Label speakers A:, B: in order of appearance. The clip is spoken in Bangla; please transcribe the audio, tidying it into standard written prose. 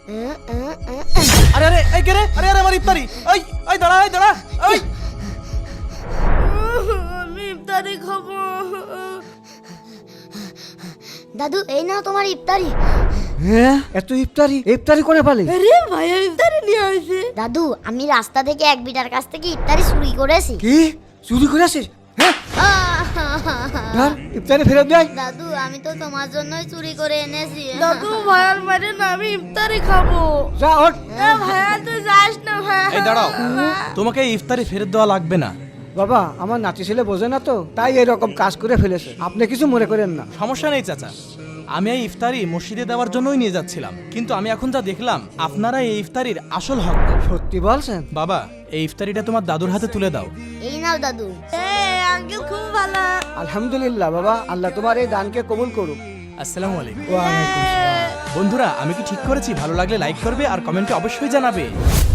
A: আরে আরে এই কে রে? আরে আরে আমার ইফতারি। এই এই দাঁড়া, এই দাঁড়া, এই
B: আমি ইফতারি খাবো।
C: দাদু এই নাও তোমার ইফতারি।
D: হ্যাঁ, এত ইফতারি ইফতারি করে পালি?
B: আরে ভাইয়া ইফতারি নিয়ে আসে।
C: দাদু আমি রাস্তা থেকে এক বিটার কাছ থেকে ইফতারি চুরি করেছি।
D: কি চুরি করে আসিস? হ্যাঁ, ধর ইফতারি ফেরত দেয়।
C: দাদু আমি তো তোমার জন্যই চুরি করে এনেছি।
B: দাদু ভাইয়ার মারে না, আমি ইফতারি খাবো।
D: যা ওঠ।
B: ভাইয়া তুই যাস না ভাইয়া।
A: এই দাঁড়াও, তোমাকে এই ইফতারি ফেরত দেওয়া লাগবে না।
D: বাবা আমার নাতি ছেলে বোঝে না তো, তাই এরকম কাজ করে ফেলেছে। আপনি কিছু মনে করেন না।
A: সমস্যা নেই চাচা, আমি এই ইফতারি মসজিদে দেওয়ার জন্যই নিয়ে যাচ্ছিলাম, কিন্তু আমি এখন যা দেখলাম আপনারা এই ইফতারির আসল হকদার।
D: সত্যি বলছেন?
A: বাবা এই ইফতারিটা তোমার দাদুর হাতে তুলে দাও।
C: এই নাও দাদু।
B: আঙ্কেল খুব ভালো।
D: আলহামদুলিল্লাহ বাবা, আল্লাহ তোমার এই দানকে কবুল করুক।
A: আসসালামু আলাইকুম।
D: ওয়ালাইকুম আসসালাম।
A: বন্ধুরা আমি কি ঠিক করেছি? ভালো লাগলে লাইক করবে আর কমেন্টে অবশ্যই জানাবে।